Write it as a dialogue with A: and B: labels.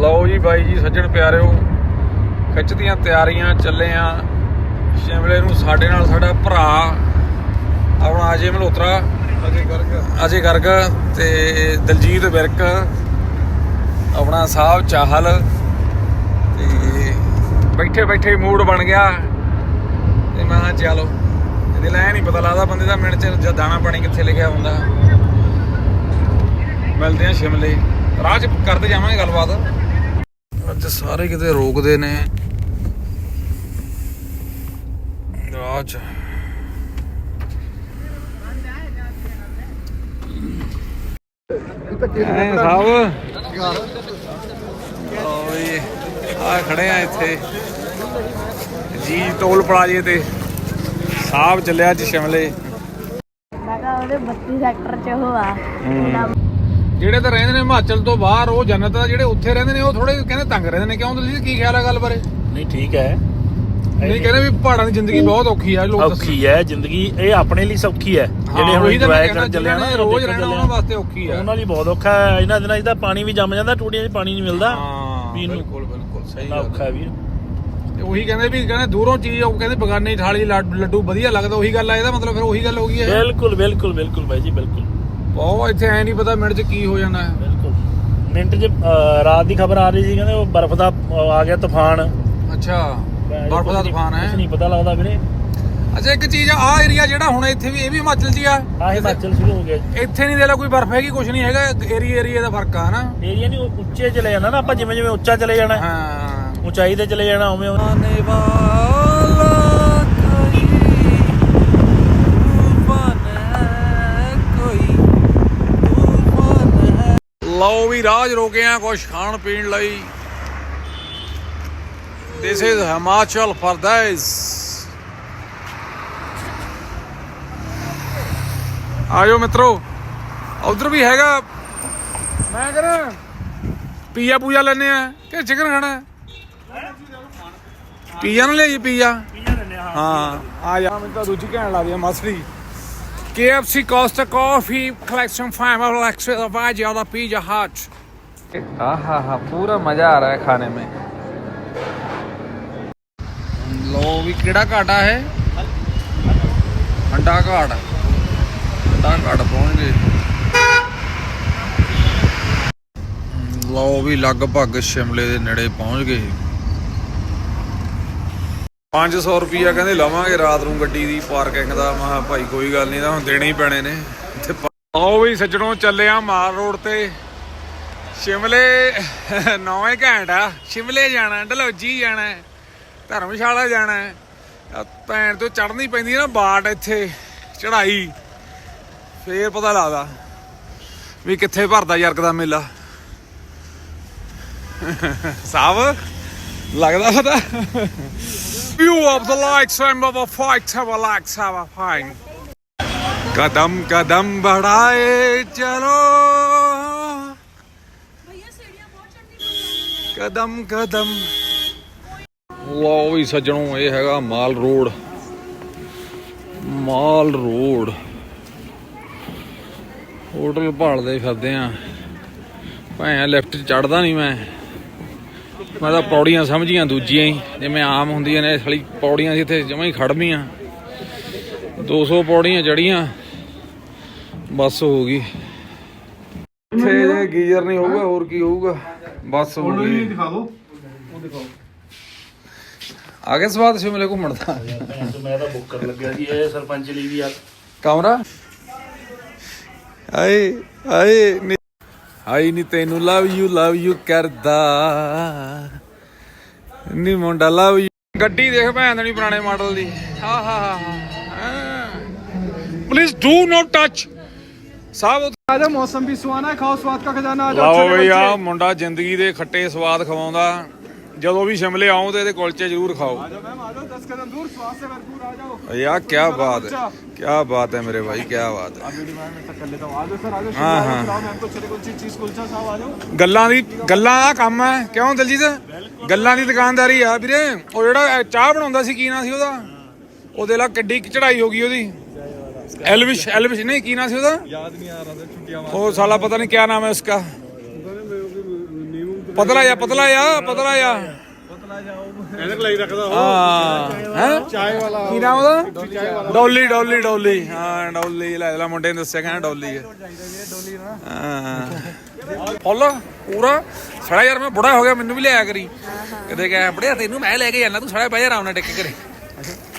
A: ਲਓ ਜੀ ਬਾਈ ਜੀ ਸੱਜਣ ਪਿਆਰਿਓ, ਖਿੱਚਦੀਆਂ ਤਿਆਰੀਆਂ, ਚੱਲੇ ਆ ਸ਼ਿਮਲੇ ਨੂੰ। ਸਾਡੇ ਨਾਲ ਸਾਡਾ ਭਰਾ ਆਪਣਾ ਅਜੇ ਮਲਹੋਤਰਾ, ਅਜੇ ਗਰਗ ਤੇ ਦਲਜੀਤ ਵਿਰਕ, ਆਪਣਾ ਸਾਹਿਬ ਚਾਹਲ। ਤੇ ਬੈਠੇ ਬੈਠੇ ਮੂਡ ਬਣ ਗਿਆ ਤੇ ਮੈਂ ਕਿਹਾ ਚਲੋ, ਇਹਦੇ ਲੈ ਨਹੀਂ ਪਤਾ ਲੱਗਦਾ ਬੰਦੇ ਦਾ ਮਿੰਟ 'ਚ ਜਾਂ ਦਾਣਾ ਪਾਣੀ ਕਿੱਥੇ ਲਿਖਿਆ ਹੁੰਦਾ। ਮਿਲਦੇ ਆ ਸ਼ਿਮਲੇ, ਰਾਹ 'ਚ ਕਰਦੇ ਜਾਵਾਂਗੇ ਗੱਲਬਾਤ। ਅੱਜ ਸਾਰੇ ਕਿਤੇ ਰੋਕਦੇ ਨੇ ਰਾਹ 'ਚ। ਸਾਹਿਬ ਆ ਖੜੇ ਆ ਇੱਥੇ ਜੀ ਟੋਲ ਪਲਾਜ਼ੇ ਤੇ। ਸਾਹਿਬ ਚੱਲਿਆ ਅੱਜ ਸ਼ਿਮਲੇ।
B: ਮੈਂ ਕਿਹਾ ਉਹਦੇ 32 ਸੈਕਟਰ 'ਚ ਉਹ ਆ
A: ਜਿਹੜੇ ਤਾਂ ਰਹਿੰਦੇ ਨੇ ਹਿਮਾਚਲ ਤੋਂ ਬਾਹਰ, ਉਹ ਜੰਨਤ ਆ। ਜਿਹੜੇ ਉੱਥੇ ਰਹਿੰਦੇ ਨੇ ਉਹ ਥੋੜੇ ਕਹਿੰਦੇ ਤੰਗ ਰਹਿੰਦੇ ਨੇ। ਕਿਉਂ ਤੁਸੀਂ ਕੀ ਖਿਆਲ ਆ ਗੱਲ ਬਾਰੇ?
C: ਨਹੀਂ ਠੀਕ ਹੈ,
A: ਨਹੀਂ ਕਹਿੰਦੇ ਵੀ ਪਹਾੜਾਂ ਦੀ ਜ਼ਿੰਦਗੀ ਬਹੁਤ ਔਖੀ ਆ। ਲੋਕ
C: ਔਖੀ ਹੈ ਜ਼ਿੰਦਗੀ, ਇਹ ਆਪਣੇ ਲਈ ਸੌਖੀ ਹੈ। ਜਿਹੜੇ ਹੁਣ ਇੰਜੋਏ ਕਰਨ ਚੱਲੇ ਨਾ,
A: ਰੋਜ਼ ਰਹਿਣਾ ਉਹਨਾਂ ਵਾਸਤੇ ਔਖੀ ਆ।
C: ਉਹਨਾਂ ਲਈ ਬਹੁਤ ਔਖਾ ਹੈ। ਇਹਨਾਂ ਦਿਨਾਂ 'ਚ ਤਾਂ ਪਾਣੀ ਵੀ ਜੰਮ ਜਾਂਦਾ, ਟੂਟੀਆਂ 'ਚ ਪਾਣੀ ਨਹੀਂ ਮਿਲਦਾ ਪੀਣ ਨੂੰ।
A: ਬਿਲਕੁਲ ਬਿਲਕੁਲ ਸਹੀ
C: ਔਖਾ ਵੀਰ।
A: ਤੇ ਉਹੀ ਕਹਿੰਦੇ ਵੀ ਕਹਿੰਦੇ ਦੂਰੋਂ ਚੀਜ਼, ਉਹ ਕਹਿੰਦੇ ਬਗਾਨੇ ਥਾਲੀ ਲੱਡੂ ਵਧੀਆ ਲੱਗਦਾ। ਉਹੀ ਗੱਲ ਆ, ਇਹਦਾ ਮਤਲਬ ਫਿਰ ਉਹੀ ਗੱਲ ਹੋ ਗਈ ਹੈ।
C: ਬਿਲਕੁਲ ਬਿਲਕੁਲ ਬਿਲਕੁਲ ਬਾਈ ਜੀ, ਬਿਲਕੁਲ।
A: ਬਹੁਤ ਇੱਥੇ ਐ ਨਹੀਂ ਪਤਾ ਮਿੰਟ 'ਚ ਕੀ ਹੋ ਜਾਣਾ ਹੈ।
C: ਬਿਲਕੁਲ ਮਿੰਟ 'ਚ ਰਾਤ ਦੀ ਖਬਰ ਆ ਰਹੀ ਸੀ, ਕਹਿੰਦੇ ਉਹ ਬਰਫ਼ ਦਾ ਆ ਗਿਆ ਤੂਫਾਨ।
A: ਅੱਛਾ, ਬਰਫ਼ ਦਾ ਤੂਫਾਨ ਹੈ।
C: ਕੁਝ ਨਹੀਂ ਪਤਾ ਲੱਗਦਾ ਵੀਰੇ।
A: ਅੱਛਾ, ਇੱਕ ਚੀਜ਼ ਆ ਏਰੀਆ ਜਿਹੜਾ ਹੁਣ ਇੱਥੇ ਵੀ, ਇਹ ਵੀ ਹਿਮਾਚਲ 'ਚ ਹੀ ਆ।
C: ਆਹ ਹਿਮਾਚਲ ਸ਼ੁਰੂ ਹੋ ਗਿਆ।
A: ਇੱਥੇ ਨਹੀਂ ਦੇ ਲਾ ਕੋਈ ਬਰਫ਼ ਹੈਗੀ, ਕੁਝ ਨਹੀਂ ਹੈਗਾ। ਏਰੀਆ ਦਾ ਫਰਕ ਆ ਨਾ।
C: ਏਰੀਆ ਨਹੀਂ ਉੱਚੇ ਚਲੇ ਜਾਣਾ ਨਾ ਆਪਾਂ, ਜਿਵੇਂ ਜਿਵੇਂ ਉੱਚਾ ਚਲੇ ਜਾਣਾ,
A: ਹਾਂ
C: ਉਚਾਈ ਤੇ ਚਲੇ ਜਾਣਾ ਉਵੇਂ।
A: ਲਓ ਵੀ ਰਾਜ ਰੋਕੇ ਆ ਕੁਛ ਖਾਣ ਪੀਣ ਲਈ। This is Himachal Pradesh. ਆਜੋ ਮਿੱਤਰੋ, ਉਧਰ ਵੀ ਹੈਗਾ। ਮੈਂ ਕਹਿੰਦਾ ਪੀਜ਼ਾ ਪੂਜਾ ਲੈਣੇ ਆ ਕਿ ਚਿਕਨ ਖਾਣਾ? ਪੀਜ਼ਾ ਨਾ ਲਿਆਈਏ, ਪੀਜ਼ਾ। ਹਾਂ ਆ ਜਾ। ਮੈਨੂੰ ਤਾਂ ਦੂਜੀ ਕਹਿਣ ਲਾ ਦੀ ਮਸਰੀ। KFC, Costa Coffee, collection 5 और एक्स्ट्रा वाइज ज्यादा पिज़्ज़ा हट। आहा पूरा मजा आ रहा है खाने में। लो भी केड़ा घाटा है? हंडा घाट। हंडा घाट पहुंच गए। लो भी लगभग शिमले दे नेड़े पहुंच गए। 500 रुपया कहते लवांगे रात ਨੂੰ ਗੱਡੀ ਦੀ ਪਾਰਕਿੰਗ ਦਾ। ਮੈਂ ਕਿਹਾ ਭਾਈ ਕੋਈ ਗੱਲ ਨਹੀਂ, ਤਾਂ ਹੁਣ ਦੇਣੇ ਹੀ ਪੈਣੇ ਨੇ। ਆਓ ਵੀ ਸੱਜਣੋਂ, ਚੱਲੇ ਆ ਮਾਲ ਰੋਡ ਤੇ ਸ਼ਿਮਲੇ। 9 ਘੰਟਾ ਸ਼ਿਮਲੇ ਜਾਣਾ, ਡਲਹੌਜੀ ਜਾਣਾ, ਧਰਮਸ਼ਾਲਾ ਜਾਣਾ। ਭੈਣ ਤੋਂ ਚੜ੍ਹਨੀ ਪੈਂਦੀ ਨਾ ਬਾਟ ਇੱਥੇ ਚੜ੍ਹਾਈ, ਫੇਰ ਪਤਾ ਲੱਗਦਾ ਵੀ ਕਿੱਥੇ ਭਰਦਾ ਯਰਕ ਦਾ ਮੇਲਾ। ਸਾਹਿਬ ਲੱਗਦਾ ਪਤਾ। View of the likes of a fight, have a likes have a fine. कदम कदम बढ़ाए चलो, कदम कदम। लो भी सज्जनों, ये हैगा Mall Road. Mall Road hotel भालते फिरदे आ। भाएं लिफ्ट चढ़दा नहीं मैं ਤਾਂ ਪੌੜੀਆਂ ਸਮਝੀਆਂ ਦੂਜੀਆਂ ਹੀ, ਜਿਵੇਂ ਆਮ ਹੁੰਦੀਆਂ ਨੇ। ਸਾਲੀ ਪੌੜੀਆਂ ਸੀ ਇੱਥੇ ਜਮਾਂ ਹੀ ਖੜਵੀਆਂ। 200 ਪੌੜੀਆਂ ਚੜੀਆਂ, ਬਸ ਹੋ ਗਈ। ਇੱਥੇ ਜੇ ਗੀਜ਼ਰ ਨਹੀਂ ਹੋਊਗਾ ਹੋਰ ਕੀ ਹੋਊਗਾ, ਬਸ ਹੋ ਗਈ। ਆ ਗਿਆ ਸਵਾਦ ਸ਼ਿਮਲੇ ਘੁੰਮਣ ਦਾ।
C: ਮੈਂ ਤਾਂ ਬੁੱਕ ਕਰਨ ਲੱਗਿਆ ਸੀ ਇਹ ਸਰਪੰਚ ਲਈ ਵੀ ਯਾਰ
A: ਕਮਰਾ। ਆਏ ਆਏ ਆਈ ਨੀ ਤੈਨੂੰ ਲਵ ਯੂ ਕਰਦਾ ਨੀ ਮੁੰਡਾ ਲਵ ਯੂ। ਗੱਡੀ ਦੇਖ ਭੈਣ ਨਹੀਂ ਪੁਰਾਣੇ ਮਾਡਲ ਦੀ। ਹਾਂ ਪਲੀਜ਼ ਡੂ ਨੋਟ ਟੱਚ। ਸਾਹਿਬ
D: ਆਜਾ, ਮੌਸਮ ਵੀ ਸੁਹਾਣਾ ਹੈ, ਖਾਓ ਸਵਾਦ ਦਾ ਖਜ਼ਾਨਾ। ਆ
A: ਜਾਓ ਬਈ, ਆ ਮੁੰਡਾ ਜ਼ਿੰਦਗੀ ਦੇ ਖੱਟੇ ਸਵਾਦ ਖਵਾਉਂਦਾ। ਜਦੋਂ ਵੀ ਸ਼ਿਮਲੇ ਆਓ ਤੇ ਇਹਦੇ ਕੁਲਚੇ ਜ਼ਰੂਰ ਖਾਓ। यार क्या बात है, क्या बात है मेरे भाई, क्या बात है। ਗੱਲਾਂ ਦਾ ਕੰਮ ਹੈ। ਕਿਉਂ ਦਲਜੀਤ? ਗੱਲਾਂ ਦੀ ਦੁਕਾਨਦਾਰੀ ਆ ਵੀਰੇ। ਉਹ ਜਿਹੜਾ ਚਾਹ ਬਣਾਉਂਦਾ ਸੀ, ਕੀ ਨਾਂ ਸੀ ਉਹਦਾ? ਉਹਦੇ ਲਾ ਕਿੱਡੀ ਚੜਾਈ ਹੋ ਗਈ ਉਹਦੀ। एलविश नहीं, की नाम से याद नहीं आ रहा था। वो साला पता नहीं क्या नाम है उसका। ਪਤਲਾ ਜਾ
D: ਐਨਕ ਲਈ ਰੱਖਦਾ
A: ਹਾਂ ਹੈ
D: ਚਾय वाला
A: ਕੀ ਨਾਮ ਉਹਦਾ ਡੋਲੀ ਹਾਂ ਡੋਲੀ ਲੈ ਮੁੰਡੇ ਨੇ ਦੱਸਿਆ ਕਹਿੰਦਾ ਡੋਲੀ ਹੈ ਹਾਂ ਫੁੱਲ ਪੂਰਾ ਸੜਾ ਯਾਰ ਮੈਂ ਬੁੜਾ ਹੋ ਗਿਆ ਮੈਨੂੰ ਵੀ ਲਿਆਇਆ ਕਰੀ ਕਦੇ ਕਹਿ ਬੜਿਆ ਤੈਨੂੰ ਮੈਂ ਲੈ ਕੇ ਜਾਣਾ ਤੂੰ ਸੜਾ ਬਹਿ ਜਾ ਆਰਾਮ ਨਾਲ ਟਿਕ ਕਰੇ